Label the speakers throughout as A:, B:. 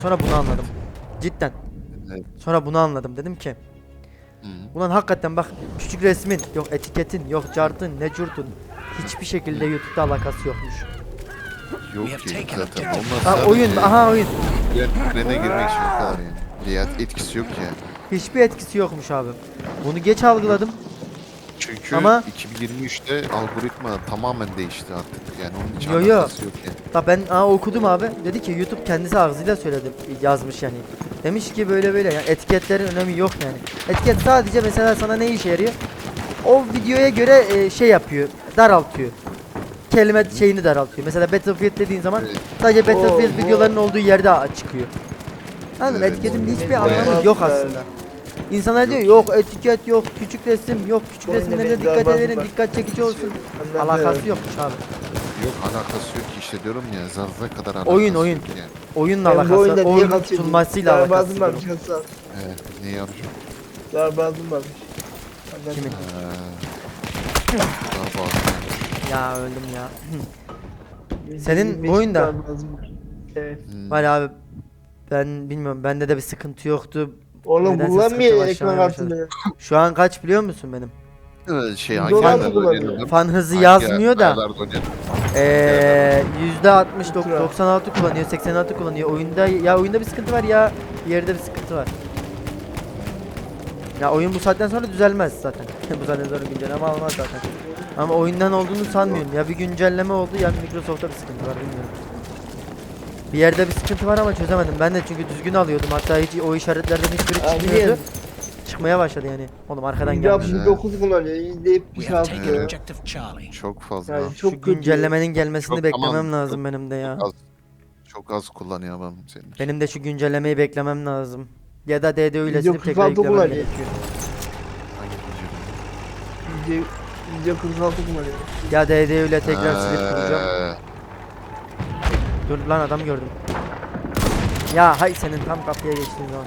A: Sonra bunu anladım. Cidden.
B: Evet.
A: Sonra bunu anladım. Dedim ki
B: Hı.
A: ulan hakikaten bak, küçük resmin yok, etiketin yok, cartın ne curtun hiçbir şekilde YouTube'da alakası yokmuş.
B: Yok ki zaten. Onlar
A: Ha,
B: sadece
A: oyun, aha oyun.
B: trene girmek için o kadar yani. Riyad etkisi yok yani.
A: Hiçbir etkisi yokmuş abi. Bunu geç algıladım.
B: Çünkü
A: Ama-
B: 2023'te algoritma tamamen değişti artık. Yani onun hiç
A: Yo, yo.
B: alakası yok yani.
A: Bak ben okudum abi. Dedi ki YouTube kendisi ağzıyla söyledi, yazmış yani. Demiş ki böyle böyle, yani etiketlerin önemi yok yani. Etiket sadece mesela sana ne işe yarıyor? O videoya göre şey yapıyor, daraltıyor. Kelime şeyini daraltıyor. Mesela Battlefield dediğin zaman
B: Evet.
A: sadece Battlefield
C: Oo,
A: videolarının olduğu yerde çıkıyor. Anladın mı?
B: Evet.
A: Etiketin hiçbir
C: Bayağı
A: anlamı yok
C: güzel.
A: aslında. İnsanlar diyor
B: Yok.
A: yok etiket yok, küçük resim yok, küçük
C: Bu oyunda
A: resimlere
C: benzer
A: dikkat
C: bazı
A: edelim,
C: bak-
A: dikkat çekici olsun.
C: Anladım.
A: Alakası yokmuş abi.
B: Yok alakası yok ki işte diyorum ya zarra kadar alakası
A: Oyun,
B: yok
A: oyun.
B: yani.
A: Oyunla
C: Ben bu
A: alakası,
C: oyunda niye
A: oyunun
C: kaçırdım?
A: tutulmasıyla alakası.
C: Darbazım
A: var.
C: varmış Hasan.
B: Evet ne yapacağım?
C: Darbazım varmış. Anladım.
A: Kimin? Ya öldüm ya. Senin
C: 25
A: bu oyunda-
C: darbazım var. Evet.
A: Var abi, ben bilmiyorum, bende de bir sıkıntı yoktu.
C: Oğlum
A: Nedense
C: kullanmıyor
A: sıkıntı
C: ekran
A: başlamaya başladı.
C: kartını.
A: Şu an kaç biliyor musun benim?
B: Şey hangi
C: Dolar
B: aylarda
C: kullanıyor.
B: oynadın?
A: Fan hızı
B: Hangi
A: yazmıyor da
B: aylarda oynadın?
A: %60
C: Ultra.
A: 96 kullanıyor, 86 kullanıyor. Oyunda ya oyunda bir sıkıntı var ya bir yerde bir sıkıntı var. Ya oyun bu saatten sonra düzelmez zaten. Bu saatten sonra güncelleme almaz zaten. Ama oyundan olduğunu sanmıyorum. Ya bir güncelleme oldu ya Microsoft'ta bir sıkıntı var, bilmiyorum. Bir yerde bir sıkıntı var ama çözemedim. Ben de çünkü düzgün alıyordum. Hatta hiç o işaretlerden hiçbiri
C: Abi
A: çıkmıyordu. Çıkmaya başladı yani. Oğlum arkadan gelmiş.
C: %69 kullanıyor.
D: We have taken
C: %76.
D: objective Charlie.
B: Çok fazla.
C: Yani
A: Şu
C: çok kötü.
A: güncellemenin gelmesini
B: Çok
A: beklemem
B: aman,
A: lazım
B: çok-
A: benim de ya.
B: Çok az, çok az kullanıyor adam senin.
A: Benim de şu güncellemeyi beklemem lazım. Ya da DDO ile silip tekrar
C: 46
A: yüklemem
C: kullanıyor.
A: gerekiyor.
B: Hangi güncelleme?
C: %46 kullanıyor.
A: Ya DDO ile tekrar silip kuracağım. Dur lan, adam gördüm. Ya hay senin tam kapıya geçtiğin zaman.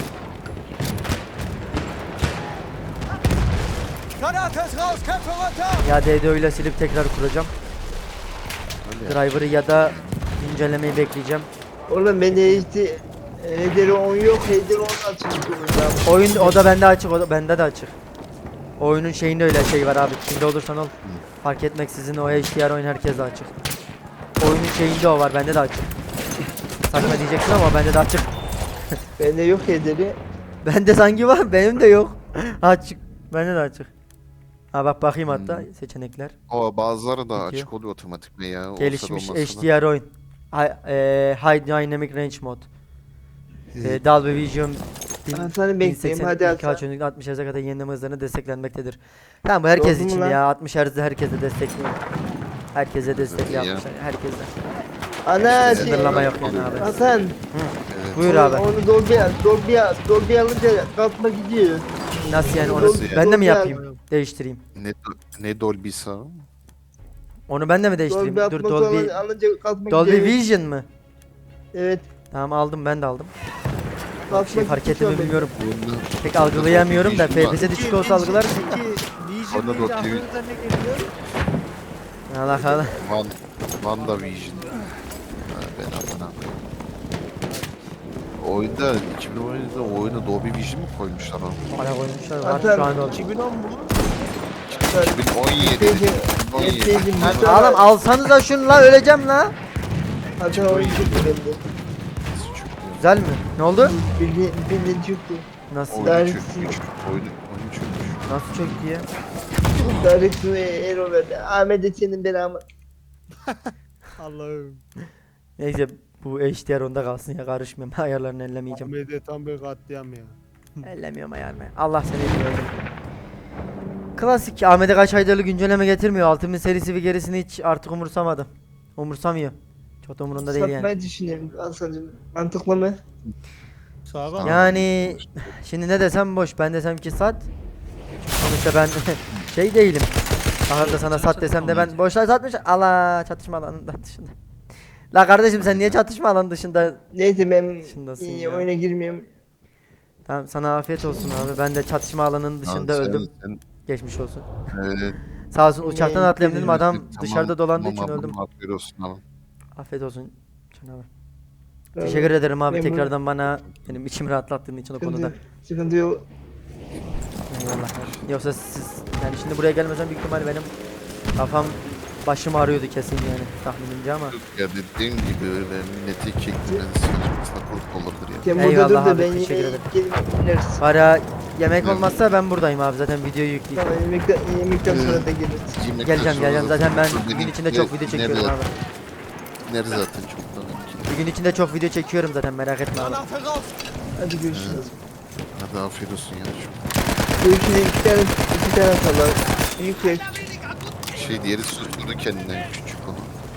A: Ya DDO ile silip tekrar kuracağım.
B: Öyle ya.
A: Driver'ı ya da güncellemeyi bekleyeceğim.
C: Oğlum bende işte Hederi 10 yok. Hederi 10 açılmış oyunda.
A: Oyun o da bende açık, o da bende de açık. Oyunun şeyinde öyle şey var abi. Kimde olursan ol. Fark etmeksizin o HDR oyun herkeste açık. Oyunun şeyinde o var, bende de açık. Saçma diyeceksin ama bende de açık.
C: Bende yok Hederi.
A: Bende sanki var, benim de yok. Açık. Bende de açık. Ha bak bakayım hatta seçenekler.
B: O bazıları da
A: Peki.
B: açık oluyor otomatik ya. Olsa da
A: Gelişmiş
B: olmasa da.
A: HDR oyun. High Dynamic Range Mod. Dolby Vision
C: Hasan'ı bekleyeyim. Hadi
A: ilk
C: Hasan.
A: açınlık 60 Hz'e kadar yenileme hızlarını desteklenmektedir. Tamam, bu herkes
C: Gördün mü
A: için
C: lan?
A: ya. 60 Hz'de herkese destekliyor. Herkese destekliyor
B: ya.
A: 60 herkese.
C: Ana
A: Sınırlama yok yani abi.
C: Hasan.
B: Evet.
A: Buyur abi.
C: Onu Dolby alınca kalkma gidiyor.
A: Nasıl yani, onu
B: Nasıl yani?
A: ben de mi
C: Dolby
A: yapayım? Değiştireyim.
B: Ne Dolby'si o?
A: Onu ben de mi değiştireyim?
C: Dolby
A: Dur,
C: atması
A: Dolby
C: alınca kalkma
A: Dolby
C: gidiyor.
A: Vision mı?
C: Evet.
A: Tamam, aldım, ben de aldım. Bir
C: Kalkma
A: şey fark
C: gidiyor
A: ettim mi
C: benim.
A: bilmiyorum.
B: Bunda,
A: Pek algılayamıyorum da
B: Vision var.
A: FPS düşük olsa algılar.
B: Onda Dolby
A: Allah Allah.
B: WandaVision. Ha, ben amına. Oyunda 2017'de o oyuna Dolby Vision mi koymuşlar onu?
A: Hala koymuşlar var
C: Zaten-
A: şu an oldu.
B: 2017. 2017.
C: Neyse,
A: Lan oğlum alsanıza şunu la, öleceğim la.
C: Hasan oyun çıktı bende.
A: Güzel mi? Ne oldu?
C: Bildiğin çıktı.
A: Nasıl?
B: Oyunu
C: Dersi-
B: çökmüş. Oyunu çökmüş.
A: Nasıl çöktü ya?
C: Direkt error verdi. Ahmet senin belamı.
E: Allah'ım.
A: Neyse, bu HDR onda kalsın ya, karışmıyorum. Ayarlarını ellemeyeceğim.
E: Ahmet'e tam bir katliam ya.
A: Ellemiyorum ayarını. Allah seni biliyor. Klasik Ahmet'e kaç aydarlı güncelleme getirmiyor. Ultimate serisi ve gerisini hiç artık umursamadı. Umursamıyor. Çok da umurunda değil yani.
C: Satmayı düşünüyorum Hasan'cığım. Mantıklı mı?
E: Sağlam.
A: Yani şimdi ne desem boş. Ben desem ki sat. Sonuçta ben şey değilim. Ahırda sana sat desem de ben boşlar satmış. Allah, çatışma alanının dışında. La kardeşim, sen niye çatışma alanı dışında?
C: Neyse ben
A: Dışındasın
C: iyi,
A: ya.
C: oyuna girmiyorum.
A: Tamam, sana afiyet olsun abi. Ben de çatışma alanının dışında
B: Lan sen-
A: öldüm.
B: sen-
A: Geçmiş olsun.
B: Evet.
A: Sağ olsun, uçaktan
C: Ne-
A: atlayayım dedim, adam
B: Tamam,
A: dışarıda dolandığı
B: tamam
A: için
B: abi,
A: öldüm.
B: afiyet olsun abi.
A: Afiyet olsun canavar. Teşekkür ederim abi
C: Memnun-
A: tekrardan bana benim içimi rahatlattığın için o konuda.
C: Sıkıntı yok.
A: Eyvallah. Yoksa siz yani şimdi buraya gelmesem büyük ihtimal benim kafam başım ağrıyordu kesin yani tahminimce ama.
B: Ya dediğim gibi öyle milleti çektirmeniz saçma sapan olabilir ya.
C: Sen burada
A: Eyvallah
C: dur da
A: abi,
C: ben
A: teşekkür
C: yemeğe
A: ederim.
C: gelip ineriz.
A: Para yemek
B: Evet.
A: olmazsa ben buradayım abi zaten videoyu yükleyeceğim.
C: Tamam yemekten sonra da geliriz.
B: Yemekten
A: Geleceğim
B: sonra
A: geleceğim zaten ben
B: sonra
A: bir gün
B: benim
A: içinde
B: ne-
A: çok video çekiyorum
B: nerede-
A: abi.
B: Nerede zaten çoktan.
A: Bir gün içinde çok video çekiyorum zaten merak etme abi.
C: Hadi görüşürüz.
B: Hadi afiyet olsun ya.
C: Görüşürüz. İki tane atalım. Yüksek.
B: Diğeri susturdu kendinden küçük onu.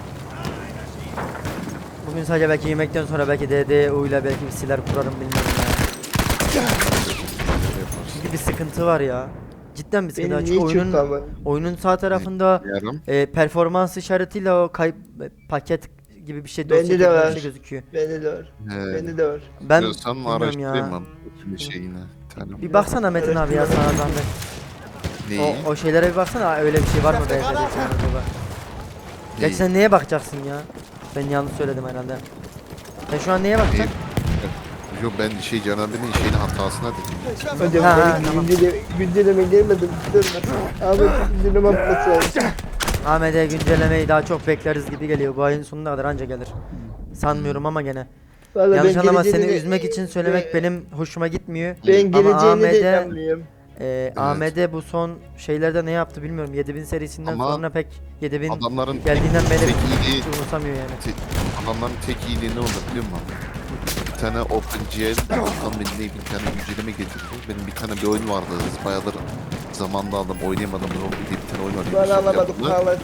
A: Bugün sadece belki yemekten sonra belki DDU ile belki bir siler kurarım bilmiyorum ya. Çünkü bir sıkıntı var ya. Cidden bir sıkıntı var.
C: Benim
A: Çünkü
C: niye çok ama?
A: oyunun sağ tarafında
B: Yarım.
A: performans işaretiyle o kayıp paket gibi bir şey
C: Bende
A: dosya
C: de
A: gibi bir
C: var.
A: şey gözüküyor.
C: Bende de var.
B: He.
C: Bende de var.
A: Ben
B: Diyorsan
A: bilmiyorum
B: araştırayım
A: ya.
B: ben. Şimdi şeyine. Tamam.
A: Bir baksana Metin abi ya sana zahmet.
B: Neyi?
A: O şeylere bir baksana öyle bir şey var mı BF'de sen acaba? Gerçi sen neye bakacaksın ya? Ben yanlış söyledim herhalde. Sen şu an neye bakacaksın?
B: Yok ben Can abinin şeyin hatasına dedim.
C: Hocam
A: Ha,
C: benim
A: tamam.
C: günceleme gelmedi. Abi günceleme atması lazım.
A: Ahmet'e güncellemeyi daha çok bekleriz gibi geliyor. Bu ayın sonuna kadar anca gelir. Sanmıyorum ama gene.
C: Vallahi
A: Yanlış
C: ben
A: anlama seni
C: geleceğini-
A: üzmek için söylemek benim hoşuma gitmiyor.
C: Ben
A: Ama
C: geleceğini de
A: Ahmet'e
C: inanmıyorum.
A: AMD bu son şeylerde ne yaptı bilmiyorum. 7000 serisinden
B: Ama
A: sonra pek 7000
B: Adamların
A: geldiğinden beri
B: tek iyiliği,
A: hiç umursamıyor yani.
B: adamların tek iyiliği ne oldu biliyor musun? Bir tane OpenGL, tam bir tane güncelleme getirdi. Benim bir tane bir oyun vardı. Bayağıdır zamanda aldım, oynayamadım. Robby diye bir tane oyun var.
C: Bana
B: Yusuf
C: alamadık.
B: yapımı.
C: Vallahi.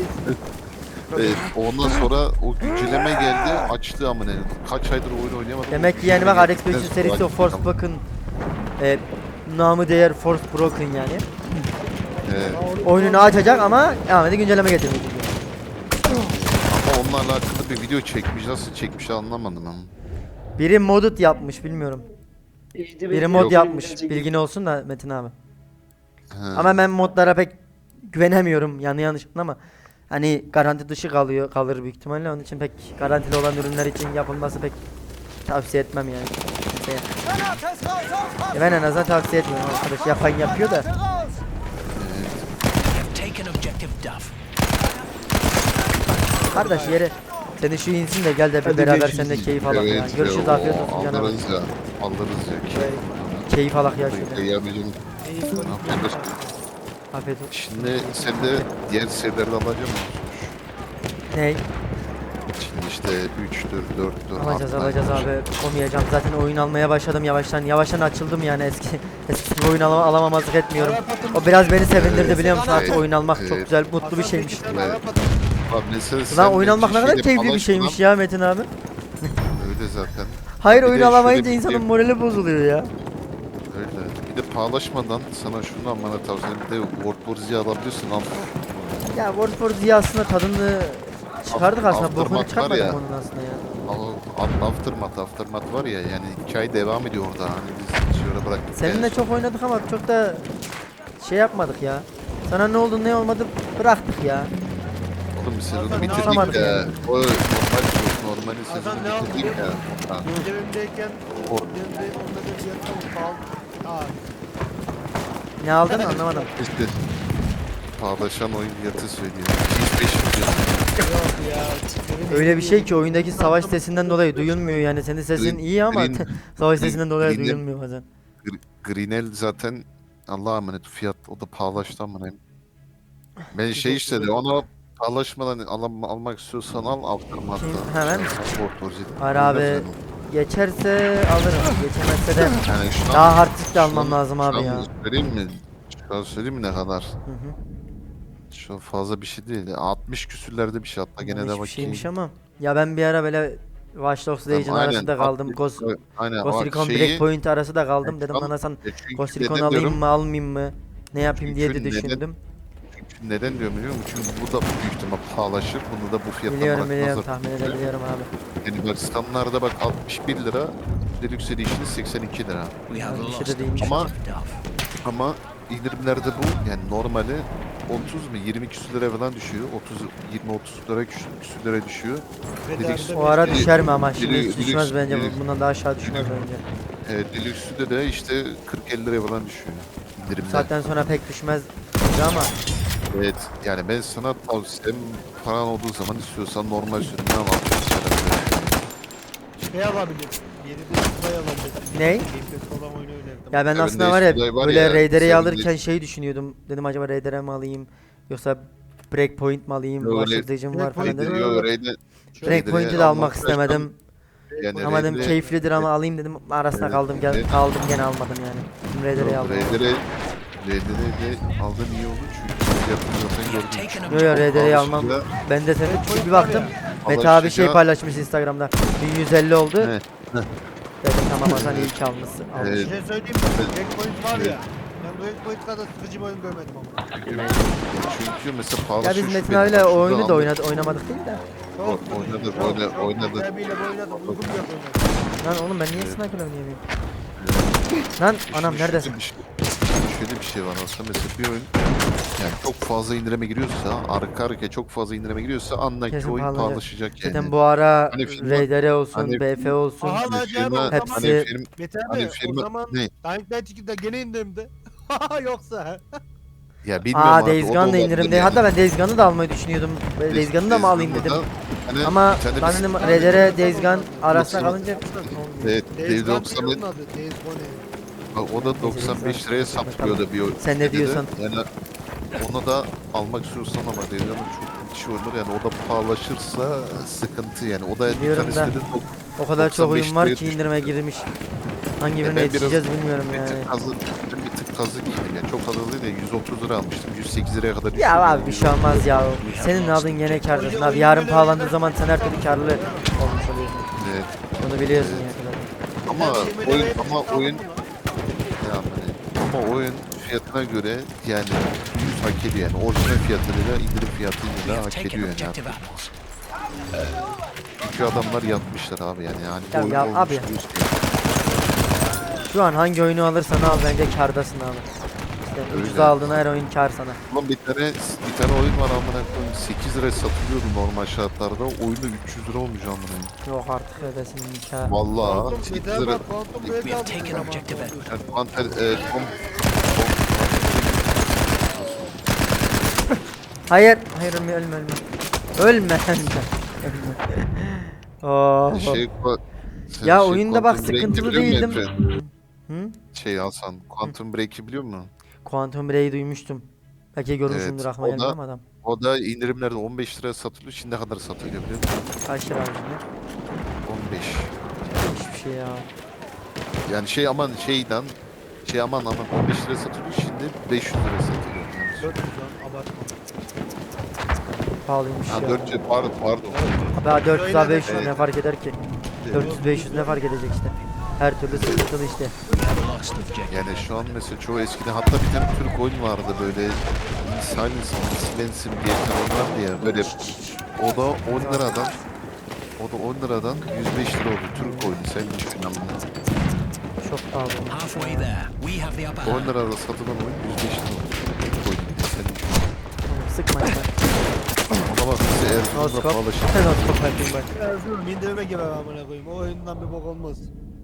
B: Ondan sonra o güncelleme geldi, açtı ama ne? Kaç aydır oyun oynayamadım.
A: Demek ki yani bak RX 500 serisi o Forspoken namı değer Forspoken yani. Oyununu açacak ama AMD güncelleme getirmeyecek.
B: Ama onlarla alakalı bir video çekmiş. Nasıl çekmiş anlamadım ama.
A: Biri modded yapmış bilmiyorum. Biri mod yapmış. Bilgin olsun da Metin abi.
B: He.
A: Ama ben modlara pek güvenemiyorum yanlış ama hani garanti dışı kalır büyük ihtimalle onun için pek garantili olan ürünler için yapılması pek tavsiye etmem yani. Kimseye. Ya ben en azından tavsiye etmiyorum arkadaş yapan yapıyor da.
D: We have taken objective Duff.
A: Kardeş yere seni şu insin de gel de bir
C: Hadi
A: beraber
C: görüşürüz.
A: seninle keyif alak ya.
B: Evet,
A: Görüşürüz
B: o,
A: afiyet olsun canım.
B: alırız ya. Alırız ya.
A: Keyif alak ya şöyle.
B: Ya bizim
A: Afiyet olsun.
B: şimdi sen de diğer serileri alacağım mı?
A: Ney?
B: Şimdi işte 3'tür, 4'tür.
A: Alacağız abi. Komayacağım. Zaten oyun almaya başladım yavaştan. Yavaştan açıldım yani eskisi gibi oyun alamamazlık etmiyorum. O biraz beni sevindirdi biliyor musun? Artık oyun almak çok
B: Evet.
A: güzel, mutlu bir şeymiş.
B: Bak mesela sen
A: Lan oyun
B: de
A: almak ne kadar
B: şeyle
A: keyifli bir
B: paylaş
A: şeymiş
B: lan.
A: ya Metin abi.
B: Öyle zaten.
A: Hayır
B: Bir
A: oyun
B: de
A: alamayınca
B: şöyle bir
A: insanın
B: şey-
A: morali bozuluyor ya.
B: Öyle. Bir de paylaşmadan sana şunu almanı tavsiye ederim. Bir de World War Z alabiliyorsun. Al.
A: Ya World War Z aslında tadını çıkardık aslında.
B: Aftermath
A: Bokunu
B: var
A: çıkartmadık
B: ya.
A: onun aslında ya.
B: Aftermath var ya yani hikaye devam ediyor orada. Hani biz şöyle bıraktık.
A: Seninle
B: yani.
A: çok oynadık ama çok da şey yapmadık ya. Sana ne oldu ne olmadı bıraktık ya.
B: Oğlum biz sezonu
A: Anlamadım
B: bitirdik ya.
A: yani.
B: O normal
E: Hasan ne
B: sezonu bitirdik
E: yapıyor?
B: ya. Ha.
E: Cebimdeyken
B: O-
E: onda da bir yatağım kaldı.
A: Ne aldın anlamadım.
B: İşte paylaşan oyun fiyatı söylüyor. 205 milyon.
E: Yok ya.
A: Öyle bir şey ki oyundaki savaş sesinden dolayı duyulmuyor yani senin sesin
B: Green-
A: iyi ama
B: Green-
A: savaş sesinden dolayı
B: Green'in-
A: duyulmuyor bazen.
B: Greenel zaten Allah'a emanet fiyat o da pahalaştı ama ne. Ben şey işte ona pahalaşmadan almak istiyorsan al Aftermath'ta.
A: Hemen. Var
B: Öyle
A: abi.
B: söyleyeyim.
A: Geçerse alırım. Geçemezse de
B: Yani şu an-
A: daha hard disk de
B: şu
A: almam
B: an-
A: lazım
B: şu
A: abi
B: an
A: ya.
B: Söyleyeyim mi? Şu an söyleyeyim mi ne kadar?
A: Hı hı.
B: Şu an fazla bir şey değil. 60 küsürlerde bir şey hatta gene de
A: Hiçbir
B: bakayım.
A: şeymiş ama. Ya ben bir ara böyle Watch Dogs
B: Tamam,
A: Legion
B: aynen.
A: arasında kaldım. Ghost
B: Aynen.
A: Ghost
B: o
A: Recon
B: şeyi-
A: Breakpoint arası da kaldım. Dedim
B: Tamam.
A: lan Hasan
B: çünkü
A: Ghost
B: neden
A: Recon alayım
B: diyorum?
A: mı almayayım mı? Ne yapayım diye de
B: Çünkü neden-
A: düşündüm.
B: Çünkü neden diyorum biliyor musun? Çünkü bu da büyük ihtimal pahalaşır. Bunu da bu fiyattan
A: Biliyorum
B: bırakmazlar.
A: tahmin edebiliyorum abi.
B: Yani bak standlarda bak 61 lira. Deluxe Edition 82 lira.
D: We have
A: Bir şey
D: lost
A: de değilmiş.
B: Ama-
D: objective Duff.
B: Ama indirimlerde bu yani normali 30 mu 20 küsür lira falan düşüyor. 20-30 lira küsür lira düşüyor. Dedik,
A: O ara
B: Deli-
A: düşer mi ama şimdi
B: deli-
A: hiç düşmez
B: deli-
A: bence.
B: deli-
A: Bundan daha aşağı düşmez bence.
B: Deluxe'de de işte 40-50 liraya falan düşüyor. İndirimde.
A: Saatten sonra pek düşmez ama
B: Evet yani ben sana tavsiyem paran olduğu zaman istiyorsan normal sürümden al.
E: Şey alabilir. Yeni de Suda'yı alabilir.
A: Ney?
E: Gameplay olan oyunu oynardım.
A: ya ben
B: Ya
A: aslında
B: bende
A: var ya
B: Sudai var
A: böyle
B: ya,
A: Raider'i
B: sen
A: alırken şey düşünüyordum. Dedim acaba Raider'e mi alayım yoksa Breakpoint mi alayım?
B: Öyle-
A: Başlatıcım var falan
E: Breakpoint
A: dedim.
B: Yo Raid'e
A: Breakpoint'i de almak istemedim.
B: yani
A: Ama dedim
B: Raider'e-
A: keyiflidir ama alayım dedim. Arasında
B: Evet,
A: kaldım
B: evet.
A: kaldım gene almadım yani. Şimdi Raider'i aldım.
B: Raider'e de aldığın iyi oldu çünkü fiyatını zaten
D: We have
B: gördüm.
D: taken
A: Yo yo
D: objective.
A: Raider'i almam.
B: Alışınca-
A: Ben de senin
E: Breakpoint
A: bir
E: var
A: baktım.
E: ya.
A: Mete abi şey
B: alışınca-
A: paylaşmış Instagram'da. 1150 oldu.
B: Ne?
A: Dedim tamam Hasan iyi ki almışsın.
E: Bir
B: Evet.
E: şey söyleyeyim mi? Breakpoint var ya. Ben Breakpoint kadar sıkıcı bir oyun görmedim ama.
B: Çünkü mesela pahalı
A: Ya biz
B: şu
A: Metin
B: benim
A: abiyle
B: şurada
A: o oyunu da
B: aldım.
A: oynamadık değil de.
B: Oynadık.
E: Abiyle oynadık. Uygun bir oynadık.
A: Lan oğlum ben niye
B: Evet.
A: sniper oynayamıyorum? Lan anam
B: Şimdi
A: neredesin?
B: şöyle bir şey var aslında mesela bir oyun yani çok fazla indirime giriyorsa arka arkaya çok fazla indirime giriyorsa anla ki
A: Kesin
B: oyun
A: pahalanacak.
B: pahalaşacak yani.
A: Zaten bu ara
B: Hani firma-
A: Raider'e olsun,
B: hani-
A: BF olsun.
E: Aha lan
B: Hani
E: Cem, o
B: firma,
E: zaman
A: hepsi-
B: hani firma,
E: Mete abi
B: hani
E: o
B: firma
E: zaman
B: ne?
E: Dying Light 2'de gene indirimde. Yoksa.
B: Ya bilmiyorum
A: Aa
B: abi,
A: Days
B: o da
A: Gone da
B: olabilir
A: indirimde.
B: yani.
A: Hatta ben Days Gone'ı da almayı düşünüyordum. Days Gone'ı da mı alayım dedim.
B: Hani
A: Ama
B: bir tane
A: ben
B: biz-
A: dedim Raider'e Days Gone arasına
B: Nasıl?
A: kalınca
B: Evet,
E: Days
B: Days
E: Gone
B: 90
E: değil onun adı. Days Gone.
B: o da 95 liraya saplıyordu bir oyun.
A: Sen ne
B: Dedi de,
A: diyorsun?
B: Yani onu da almak istiyorsan ama Days Gone'ın çok kişi oynar yani o da pahalaşırsa sıkıntı yani. O da bir
A: Biliyorum
B: tanesi
A: da.
B: dedi
A: o kadar çok
B: 95
A: oyun var
B: liraya
A: ki
B: düştü.
A: indirime girmiş. Hangi birine
B: ben biraz-
A: yetişeceğiz bilmiyorum
B: bir
A: yani.
B: tık kazık, ben bir tık kazık yedim yani çok fazla değil de 130 lira almıştım 108 liraya kadar düştü.
A: Ya abi bir şey olmaz ya. Senin aldığın gene kârdasın abi. Yarın pahalandığı zaman sen her türlü kârlı olmuş oluyorsun.
B: Evet.
A: Bunu biliyorsun ya.
B: Ama
E: Ben
B: oyun
E: 20 liraya
B: ama
E: aldım
B: oyun
E: bunu.
B: ama oyun fiyatına göre yani 100 hak ediyor yani orijinal fiyatıyla indirim
D: We
B: fiyatıyla
D: have
B: hak
D: taken
B: ediyor yani.
D: objective apples.
B: Çünkü adamlar yatmışlar abi yani.
A: Ya
B: oyun
A: ya
B: olmuş
A: abi.
B: diyorsun.
A: Şu an hangi oyunu alırsan al bence kârdasın abi. İşte
B: Öyle.
A: ucuza aldığın her oyun kâr sana.
B: Ulan bir tane oyun var amına koyayım 8 liraya satılıyordu normal şartlarda. Oyunu 300 lira olmuş amına koyayım.
A: Yok artık ödesin kâr.
B: Vallahi
E: Quantum
B: 8
E: Mete
B: lira.
E: abi Quantum
D: We
E: Break
D: have
E: aldım
D: taken
E: zaman.
D: objective Edward.
B: Yani Panter,
A: Hayır, hayır ölme ölme ölme. Ölme sen de. Oh. Ya oyunda bak
B: Quantum Break'i
A: sıkıntılı
B: biliyor musun
A: değildim.
B: Emre?
A: Hı?
B: Şey Hasan, Quantum Break'i biliyor musun?
A: Quantum Break'i duymuştum. Belki görmüşsündür
B: Evet,
A: aklıma
B: o
A: gelmiyor
B: da-
A: ama adam.
B: O da indirimlerde 15 liraya satılıyor. Şimdi ne kadar satılıyor biliyor musun?
A: Kaç lira abi şimdi?
B: 15.
A: Hiçbir şey ya.
B: Yani şey aman şeyden aman 15 liraya satılıyor. Şimdi 500 liraya satılıyor. Yani.
E: 400 lan abartma.
A: Pahalıymış
B: Ha
A: ya.
B: 400 pardon.
A: Abi 400 abi 500
B: Evet.
A: ne fark eder ki? 400-500 ne fark edecek işte. Her türlü sıkıntılı işte.
D: We have lost objective.
B: Yani şu an mesela çoğu eskiden hatta bir tane Türk oyun vardı böyle Silence'im diye bir tane oyun vardı ya böyle o da 10 liradan 105 lira oldu Türk oyunu sen düşün amına.
A: Çok pahalı olmuş.
D: Halfway there. We have the upper
B: 10
D: hand.
B: lirada satılan oyun 105 lira oldu Türk oyunu sen düşün.
A: Oğlum sıkma ya.
B: Ona bak bize Erzurum'da
A: Noskop.
B: pahalaşır.
A: Noskop yapayım bak.
E: Erzurum indirime girer amına koyayım. O oyundan bir bok olmaz.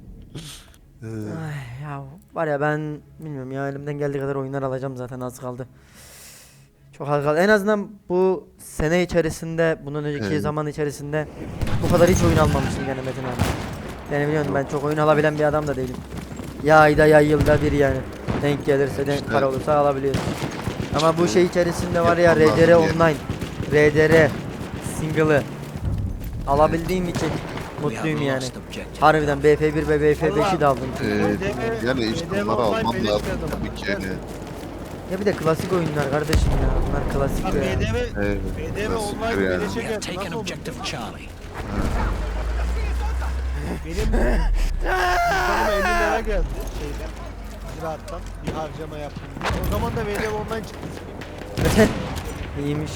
A: Ay ya var ya ben bilmiyorum ya elimden geldiği kadar oyunlar alacağım zaten az kaldı. Çok az kaldı. En azından bu sene içerisinde bunun önceki
B: Evet.
A: zaman içerisinde bu kadar hiç oyun almamıştım yani Metin abi. Yani biliyorsun ben çok oyun alabilen bir adam da değilim. Ya ayda ya yılda bir yani. Denk gelirse denk
B: İşte-
A: para olursa alabiliyorsun. Ama bu
B: İşte
A: şey içerisinde var ya
B: yapmam lazım
A: RDR
B: yani.
A: online, RDR single'ı alabildiğim için
D: We have
A: mutluyum yani.
D: lost objective.
A: Harbiden BF1 ve BF5'i de aldım.
B: Yani işte
E: BDM
B: bunları
E: online
B: alman
E: beleş
B: lazım
E: bir adam.
B: tabii ki yani.
A: Ya bir de klasik oyunlar kardeşim ya. Bunlar klasik
E: Bak
A: ya.
E: BDM
B: Evet,
E: BDM
B: klasiktir
E: online
B: yani.
E: beleşe
D: We have
E: geldi.
D: taken
E: Nasıl oldu?
D: objective Charlie.
E: Benim cüzdanıma 50 lira geldi şeyden. Ziraattan bir harcama yaptım diye. O zaman da BDM online çıktı.
A: İyiymiş.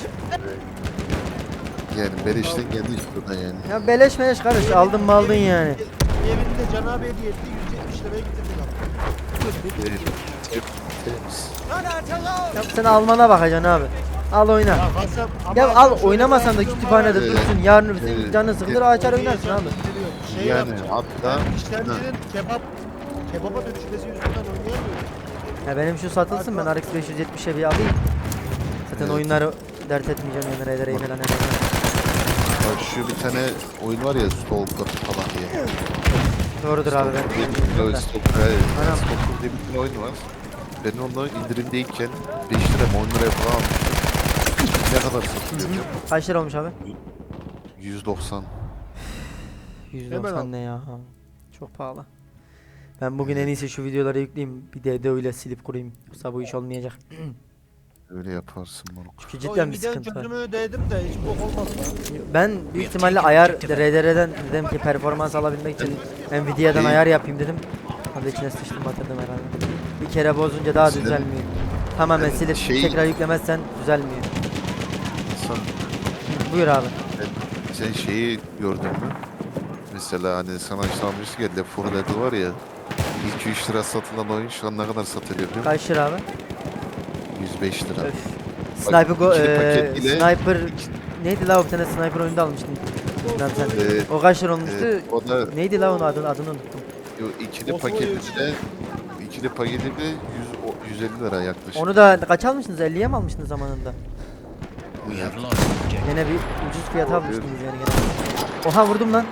B: Yani beleşten geldi işte o da yani.
A: Ya beleş meleş kardeş aldın mı aldın yani.
E: Evinde Can abi hediye etti 170 liraya getirdik abi.
B: Temiz.
A: Ya sen Alman'a bakacaksın abi. Al oyna.
E: Ya Hasan,
A: Ya
E: ama
A: al
E: şöyle
A: oynamasam da
E: bir durum
A: kütüphanede
E: var.
A: dursun. Yarın öbür gün
B: Evet.
A: canın sıkılır açar oynarsın abi.
E: Şey
B: Yani
E: yapacağım.
B: hatta
E: Ben işlemcinin kebaba dönüşmesi yüzünden oynayamıyorum.
A: Ya benim şu satılsın ben RX 570'e bir alayım. Zaten
B: Evet.
A: oyunları dert etmeyeceğim yani RDR'yi falan ederim.
B: bak şu bir tane oyun var ya Stalker falan diye.
A: Doğrudur abi ben.
B: Stalker
A: Anam.
B: diye bir tane oyun var. Ben onu indirimdeyken 5 lira mı 10 liraya falan almıştım. Ne kadar satılıyor?
A: Kaç lira olmuş abi?
B: 190.
A: 190
E: al.
A: ne ya? Çok pahalı. Ben bugün en iyisi şu videoları yükleyeyim. Bir DDO ile silip kurayım. Yoksa bu iş olmayacak.
B: Öyle yaparsın moruk.
A: Çünkü cidden bir
E: Nvidia'nın
A: sıkıntı var.
E: çözümünü denedim de hiç bok olmadı lan.
A: Ben büyük ihtimalle ayar RDR'den dedim ki performans alabilmek için Nvidia'dan
B: Şey-
A: ayar yapayım dedim. Abi içine sıçtım batırdım herhalde. Bir kere bozunca daha
B: Senin-
A: düzelmiyor. Tamamen
B: Evet,
A: silip
B: şey-
A: tekrar yüklemezsen düzelmiyor.
B: Sen,
A: Buyur abi.
B: sen şeyi gördün mü? Mesela hani sana çalmıştı ya Left 4 Dead var ya 2-3 lira satılan oyun şu an ne kadar satılıyor biliyor musun?
A: Kaç lira abi?
B: 105 lira.
A: Öf. Sniper
B: ikili paket ile-
A: Sniper neydi la o bir tane sniper oyunda almıştın. Bilmem sen. O kaç lira olmuştu?
B: O da
A: Neydi la onun adını unuttum.
B: ikili
E: Of, o
B: paketi
E: yüzden.
B: de 150 lira yaklaşık.
A: Onu da kaç almıştınız? 50'ye mi almıştınız zamanında?
D: We have lost objective.
A: Gene bir ucuz fiyata almıştınız yani gene. Oha vurdum lan.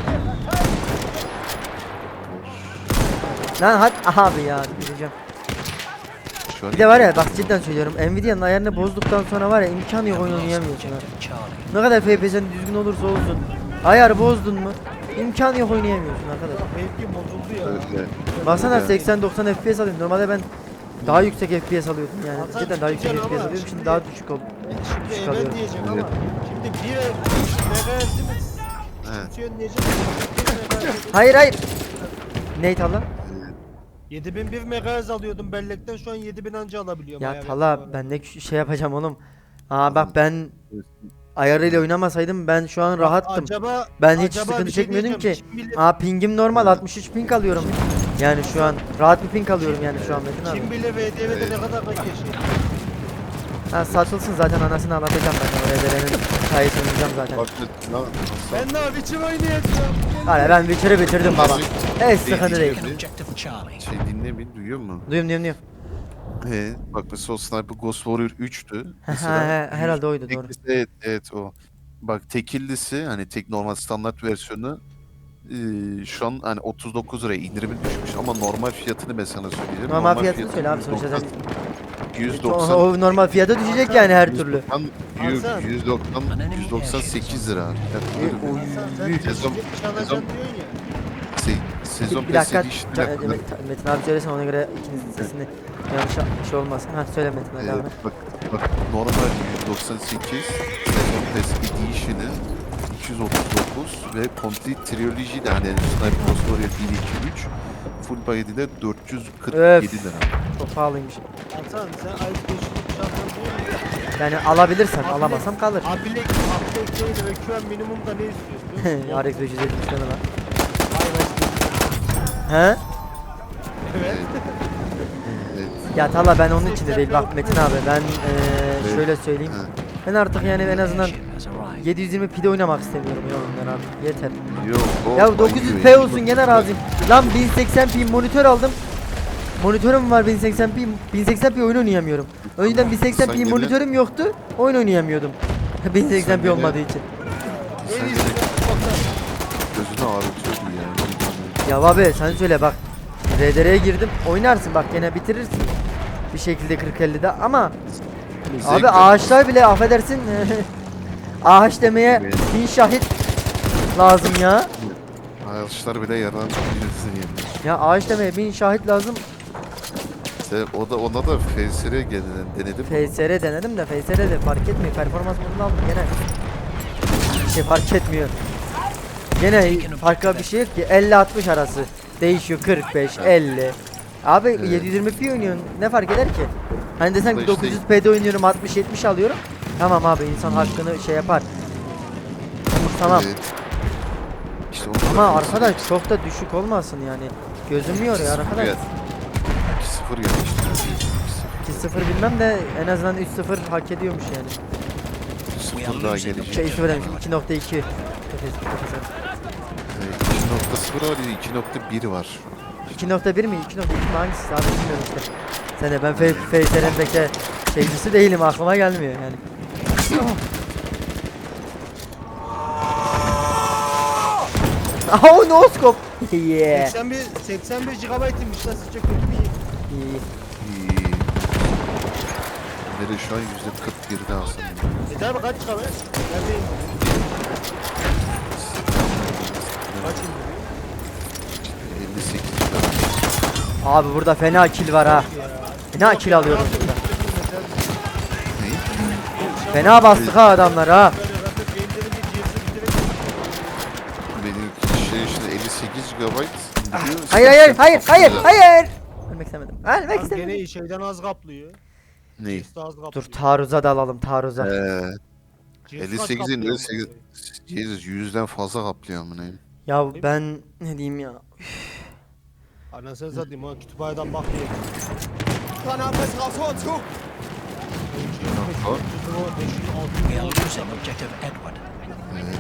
A: Lan hadi abi ya gideceğim.
B: Şu an
A: Bir de var ya bak cidden söylüyorum Nvidia'nın ayarını bozduktan sonra var ya imkanı yok oyun
D: Lost
A: oynayamıyorsun ha.
D: objective Charlie.
A: Ne kadar FPS'in düzgün olursa olsun ayarı bozdun mu imkanı yok oynayamıyorsun arkadaş.
E: Mevki bozuldu ya.
B: öyle.
A: Baksana
B: Öyle.
A: 80-90 FPS alıyorum. Normalde ben daha yüksek FPS alıyordum yani.
E: Hasan,
A: Cidden daha yüksek
E: güzel
A: FPS
E: ama
A: alıyordum. Şimdi
E: şimdi-
A: daha düşük oldu.
E: Şimdi
A: Çıkarıyorum.
E: evvel diyeceğim
B: Evet.
E: ama şimdi bir MHz'imiz
B: He.
E: küçümsüyor diyeceğim. 7000 MHz.
A: Hayır hayır. Ney Tala?
E: 7001 MHz alıyordum bellekten şu an 7000 anca alabiliyorum.
A: Ya
E: ayar
A: Tala
E: yapıyorum.
A: ben ne şey yapacağım oğlum. Aa bak ben ayarıyla oynamasaydım ben şu an rahattım.
E: Acaba,
A: Ben hiç
E: acaba
A: sıkıntı
E: bir şey
A: çekmiyordum ki.
E: diyeceğim, Kim bilir,
A: Aa pingim normal 63 ping alıyorum. Yani şu an rahat bir ping alıyorum yani şu an Metin abi.
E: kim bilir VDV'de ne kadar yaşıyor.
A: Ha satılsın zaten anasını anlatacağım ben oraya verenin hikayesini oynayacağım zaten.
B: Bak nasıl?
E: Ben ne biçim oynayacağım?
A: Hala ben Witcher'ı bitirdim baba. Hiç sıkıntı değil.
D: Taken objective Charlie.
B: Şey dinle bir duyuyor musun?
A: Duyuyorum.
B: He. Bak mesela o Sniper Ghost Warrior 3'tü.
A: Herhalde oydu doğru.
B: Evet o. Bak tekillisi hani tek normal standart versiyonu şu an hani 39 liraya indirimi düşmüş ama normal fiyatını ben sana söyleyeceğim.
A: Normal fiyatını söyle abi sonuçta sen.
B: 190
A: O normal fiyata düşecek yani her türlü.
B: 198 lira. Yani böyle
A: Oy.
E: Sen
A: Büyük.
B: Sezon-
E: çalacaksın
B: sezon-
E: diyorsun ya.
B: sezon
A: Bir dakika
B: PES Edition'da
A: Metin abi söylesen ona göre ikinizin sesini yanlış şey olmasın. Ha söyle Metin abi. devam et.
B: bak normal 198 sezon PES Edition'ı 239 ve Complete Trilogy de hani Sniper Ghost Warrior 1, 2, 3 full body'de de 447
A: Öf.
B: lira.
A: Çok pahalıymış.
E: Hasan sen ayıp geçirip çalacaksın diyorsun ya.
A: Yani alabilirsem alamazsam kalır.
E: Abilek değil ve QM minimumda ne istiyorsun? biliyor musun?
A: RX 570 tane var.
E: Aynen.
A: He?
E: Evet.
B: Evet.
A: Ya Tala ben onun içinde değil bak Metin abi ben şöyle söyleyeyim.
B: Ha.
A: Ben artık yani en azından
D: Ship has arrived.
A: 720 pide oynamak istemiyorum ya oyunlar abi. Yeter.
B: Yok, o
A: Ya
B: bayıyor
A: 900p
B: ya.
A: olsun gene razıyım. Lan 1080p monitör aldım. Monitörüm var 1080p. 1080p oyun oynayamıyorum. Önceden 1080p
B: gene-
A: monitörüm yoktu. Oyun oynayamıyordum. 1080p
B: gene-
A: olmadığı için.
B: Sen de gözünü ağrıtıyordu yani.
A: Ya abi sen söyle bak. RDR'ye girdim. Oynarsın bak gene bitirirsin. Bir şekilde 40-50'de ama abi
B: Zevk-
A: ağaçlar bile affedersin. Ağaç demeye
B: Evet.
A: 1000 şahit lazım ya.
B: Ağaçlar bile yaran bilirsin yani.
A: Ya ağaç demeye 1000 şahit lazım.
B: İşte ona da FSR denedim.
A: FSR denedim de FSR de fark etmiyor. Performans modunu aldım gene. Bir şey fark etmiyor. Gene farklı bir şey yok ki 50-60 arası. Değişiyor 45, 50. Abi
B: Evet.
A: 720p oynuyorsun ne fark eder ki? Hani desen ki
B: Ama işte-
A: 900p'de oynuyorum 60-70 alıyorum. Tamam abi insan hakkını şey yapar. Tamam.
B: Evet. İşte onu
A: Ama
B: da-
A: arkadaş çok da düşük olmasın yani. Gözüm yoruyor arkadaş.
B: Evet. 2-0 yani işte.
A: 2-0 bilmem de en azından 3-0 hak ediyormuş yani.
B: 0 daha gelecek.
A: Şey 0 demiş 2.2.
B: 2.0 var ya 2.1 var.
A: 2.1 mi? 2.2 mi? Hangisi? Abi bilmiyorum işte. Sen de ben FSR'deki şeycisi değilim, aklıma gelmiyor yani. Oh no scope. Yeah.
E: 81 GB'ymış lan, sizce kötü mü?
A: İyi.
B: İyi. Nereye şu an %41'de aslında.
E: Tabi kaç GB? Neredeyim? Kaç indiriyor?
B: 58
A: Abi burada fena kill var ha. Fena kill alıyorum burada.
B: ne?
A: Fena bastık ha adamlar ha.
B: Benim şey işte 58 GB indiriyor.
A: Hayır. Ölmek istemedim. Ölmek
E: Gene
A: istemedim.
E: şeyden az kaplıyor.
B: Ne?
E: Daha az kaplıyor.
A: Dur taarruza da alalım taarruza.
E: CS kaç
B: 58'in
E: kaplıyor
B: 58
E: bu?
B: Jesus 100'den fazla kaplıyor amına.
A: Ya ben ne diyeyim ya.
E: Anasını satayım ha, kütüphaneden bak diye.
D: We are losing objective Edward.
B: Evet.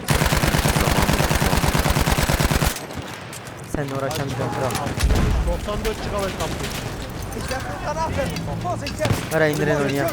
A: Seninle uğraşamayacağım kral.
E: 94 GB kaplıyor.
A: Ara indirin oynayalım.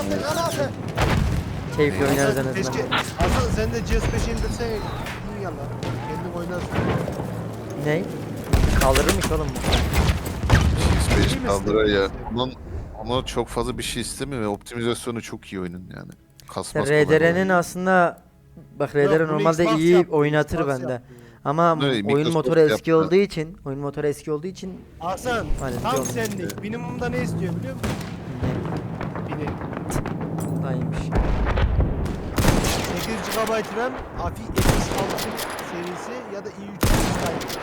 A: Keyifli oynarız en
E: Keşke
A: azından.
E: Hasan sen de CS5 indirsen iyi ya lan. Kendin oynarsın.
A: Ne? Kaldırırmış oğlum bu.
B: PS5 kaldıra ya. Ona çok fazla bir şey istemiyor ve optimizasyonu çok iyi oyunun yani. Kasmaz kolay
A: RDR'nin
B: kolay.
A: aslında bak RDR
E: Yok, bunu
A: normalde
E: Xbox
A: iyi
E: yaptı,
A: oynatır
E: Xbox
A: bende.
E: yaptı.
A: Ama
B: Ne,
A: oyun
B: Microsoft
A: motoru eski
B: yaptı.
A: olduğu için
E: Hasan
A: Aynen,
E: tam
A: diyorum.
E: senlik. Minimumda ne istiyor biliyor musun? Bini.
A: daha iyiymiş.
E: 8 GB RAM, AFI X6 serisi ya da i3 Sky.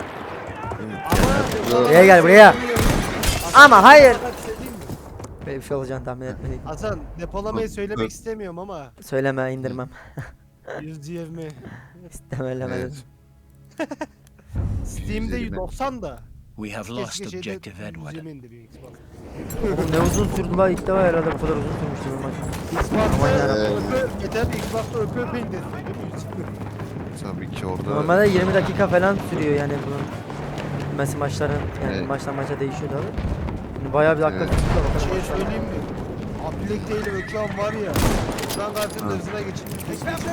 E: Ama
A: Buraya gel, buraya. Ama hayır.
E: Fakat bir şey diyeyim mi?
A: Böyle bir şey olacağını tahmin etmedim.
E: Hasan depolamayı söylemek
B: Evet.
E: istemiyorum ama
A: Söyleme indirmem.
E: 100 GM.
A: İstemem
B: Evet.
A: dedim.
E: Steam'de
B: 120.
E: 90 da.
D: We have lost
E: Keşke şeyde
D: objective Edward.
E: 120 indiriyor Xbox.
A: Oğlum ne uzun sürdü la, ilk defa herhalde bu kadar uzun sürmüştü bu maç.
E: Xbox'ta
A: Aman
E: yeter Xbox'ta öpe indirsin değil mi?
B: Tabii ki orada.
A: Normalde 20 dakika falan sürüyor yani bunun. Mesela maçların yani
B: Evet.
A: maçtan maça değişiyor tabii. Yani bayağı bir dakika
B: Evet.
A: tutuyor
E: Bir
A: bakalım.
E: şey söyleyeyim mi? Abdülek değil ekran var ya. Ekran kartının hızına geçilmiş.
B: Öyle zaten.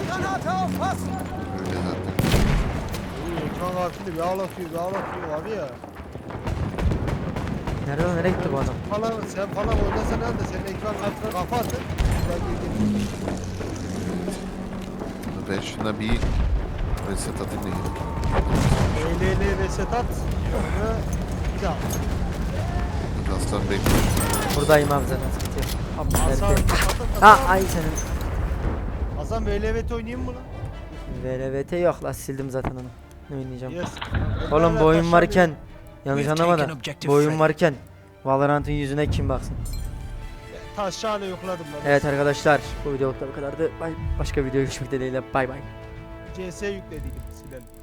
E: Ekran kartını bir ağlatıyor var ya.
A: Nereye gitti bu adam?
E: Sen falan oynasan da senin ekran kartına kafa atın. Ben girdim.
B: Ben şuna bir reset atayım da gelin.
E: ELL reset at. Sonra bir daha.
B: Aslan bekliyorum.
A: Buradayım abi zaten, sıkıntı yok.
E: Hasan,
A: Abi,
E: Hasan,
A: ha ay senin.
E: Hasan VLVT oynayayım mı lan?
A: VLVT yok la, sildim zaten onu. Ne oynayacağım?
E: Yes.
A: Oğlum bu oyun varken yanlış
D: We've
A: anlama da
D: taken objective
A: bu oyun
D: Fred.
A: varken Valorant'ın yüzüne kim baksın?
E: Taşağını yokladım lan.
A: Evet arkadaşlar, bu videoluk da bu kadardı. Başka video görüşmek dileğiyle, bay bay.
E: CS yüklediydim silelim.